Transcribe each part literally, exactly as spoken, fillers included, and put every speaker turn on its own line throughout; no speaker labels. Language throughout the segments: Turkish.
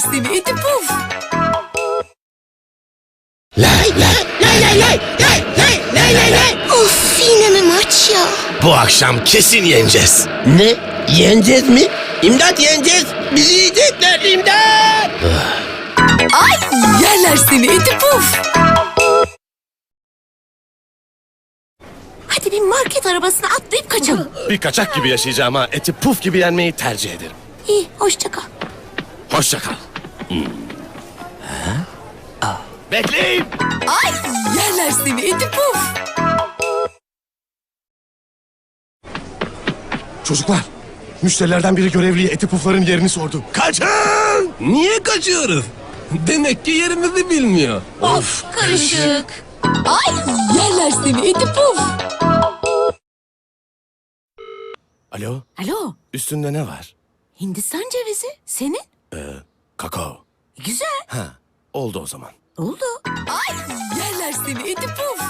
seni iti puf.
Lay lay lay lay lay lay lay lay lay lay.
Of, yine mi maç ya?
Bu akşam kesin yeneceğiz.
Ne? Yeneceğiz mi? İmdat, yeneceğiz. Bizi yiyecekler, imdat.
Ay, yerler seni iti puf. Hadi bir market arabasına atlayıp kaçalım.
Bir kaçak gibi yaşayacağım ha. Eti puf gibi yenmeyi tercih ederim.
İyi, hoşça kal.
Hoşça kal. Hmm. Bekleyin.
Ay, yerler seni iti puf.
Çocuklar, müşterilerden biri görevliye eti pufların yerini sordu. Kaçın!
Niye kaçıyoruz? Demek ki yerimizi bilmiyor.
Of, karışık. Ay, yerler seni iti puf.
Alo,
Alo,
üstünde ne var?
Hindistan cevizi. Senin?
Kakao.
Güzel.
Ha, oldu o zaman.
Oldu. Ay, yerler seni iti puf.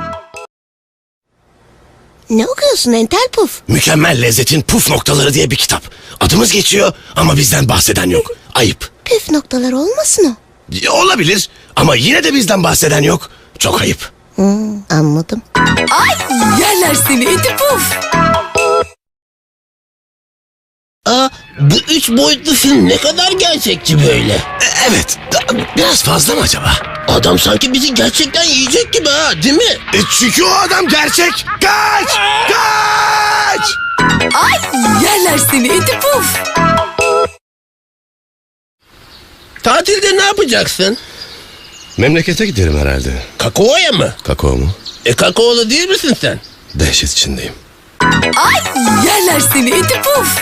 Ne okuyorsun entel puf?
Mükemmel lezzetin puf noktaları diye bir kitap. Adımız geçiyor ama bizden bahseden yok. Ayıp.
Püf noktalar olmasın o.
E, Olabilir ama yine de bizden bahseden yok. Çok ayıp.
Hmm, anladım.
Ay, yerler seni iti puf.
Aa, bu üç boyutlu film ne kadar gerçekçi böyle.
E, evet, da- biraz fazla mı acaba?
Adam sanki bizi gerçekten yiyecek gibi ha, değil mi?
E, çünkü o adam gerçek. Kaç! Kaç!
Ay, yerler seni iti puf.
Tatilde ne yapacaksın?
Memlekete giderim herhalde.
Kakao'ya mı?
Kakao mu?
E kakaolu değil misin sen?
Dehşet içindeyim.
Ay, yerler seni iti puf.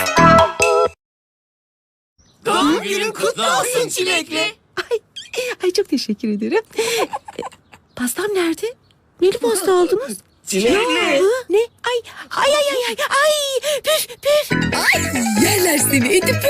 Doğum günün kutlu olsun çilekli.
Ay, ay çok teşekkür ederim. E, Pastam nerede? Neli pasta aldınız?
Çilekli.
Hı? Ne? Ay, ay, ay, ay, ay, ay, püf, püf.
Ay, yerler seni iti puf.